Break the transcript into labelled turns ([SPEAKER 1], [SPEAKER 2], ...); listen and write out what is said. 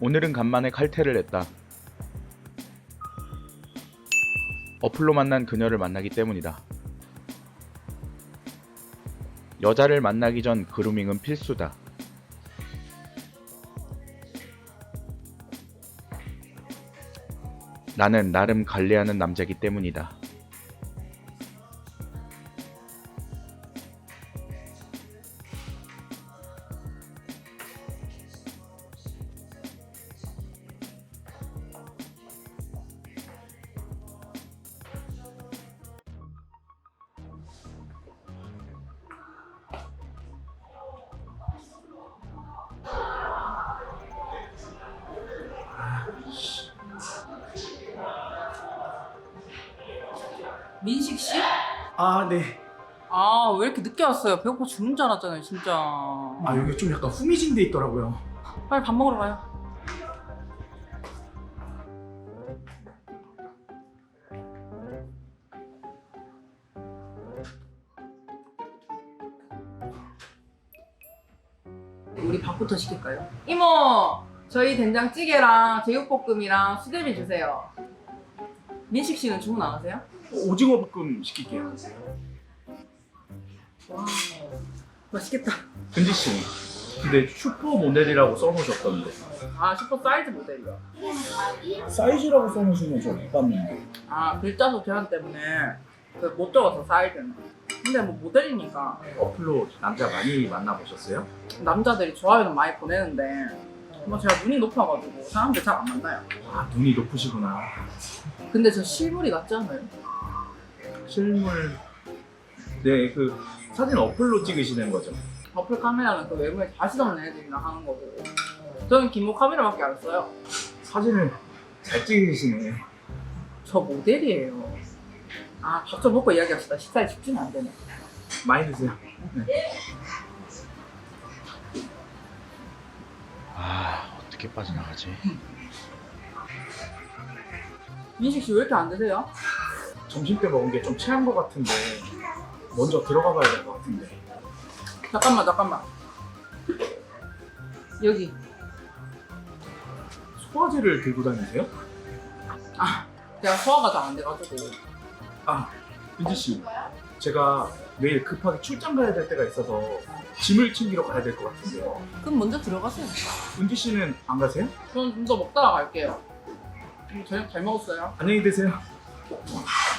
[SPEAKER 1] 오늘은 간만에 칼퇴를 했다. 어플로 만난 그녀를 만나기 때문이다. 여자를 만나기 전 그루밍은 필수다. 나는 나름 관리하는 남자이기 때문이다.
[SPEAKER 2] 민식 씨?
[SPEAKER 3] 아, 네.
[SPEAKER 2] 아, 왜 이렇게 늦게 왔어요? 배고파 죽는 줄 알았잖아요, 진짜.
[SPEAKER 3] 아, 여기 좀 약간 후미진 데 있더라고요.
[SPEAKER 2] 빨리 밥 먹으러 가요. 우리 밥부터 시킬까요? 이모! 저희 된장찌개랑 제육볶음이랑 수제비 주세요. 민식 씨는 주문 안 하세요?
[SPEAKER 3] 오징어 볶음 시킬게요.
[SPEAKER 2] 와, 맛있겠다.
[SPEAKER 3] 근지 씨, 근데 슈퍼 모델이라고 써놓으셨던데.
[SPEAKER 2] 아, 슈퍼 사이즈 모델이요.
[SPEAKER 3] 사이즈라고 써놓으시면 저 못 봤는데.
[SPEAKER 2] 아, 글자 수 제한 때문에 못 적어서 사이즈는. 근데 뭐 모델이니까
[SPEAKER 3] 어플로 남자 많이 만나보셨어요?
[SPEAKER 2] 남자들이 좋아요는 많이 보내는데 뭐 제가 눈이 높아가지고 사람들 잘 안 만나요.
[SPEAKER 3] 아, 눈이 높으시구나.
[SPEAKER 2] 근데 저 실물이 낫지 않아요?
[SPEAKER 3] 실물. 네, 그 사진 어플로 찍으시는 거죠?
[SPEAKER 2] 어플 카메라는 그 외모에 자신 없는 애들이랑 하는 거고 저는 기모 카메라밖에 안 써요.
[SPEAKER 3] 사진을 잘 찍으시네.
[SPEAKER 2] 저 모델이에요. 아, 밥 좀 먹고 이야기합시다. 식사에 집중이 안 되네.
[SPEAKER 3] 많이 드세요. 네.
[SPEAKER 1] 어떻게 빠져나가지?
[SPEAKER 2] 민식 씨 왜 이렇게 안 드세요?
[SPEAKER 3] 점심 때 먹은 게 좀 체한 것 같은데 먼저 들어가 봐야 될 것 같은데.
[SPEAKER 2] 잠깐만. 여기.
[SPEAKER 3] 소화제를 들고 다니세요?
[SPEAKER 2] 아, 제가 소화가 잘 안 돼가지고.
[SPEAKER 3] 아, 은지 씨, 제가 내일 급하게 출장 가야 될 때가 있어서 짐을 챙기러 가야 될 것 같은데요.
[SPEAKER 2] 그럼 먼저 들어가세요.
[SPEAKER 3] 은지 씨는 안 가세요?
[SPEAKER 2] 저는 좀 더 먹다가 갈게요. 저녁 잘 먹었어요.
[SPEAKER 3] 안녕히 계세요.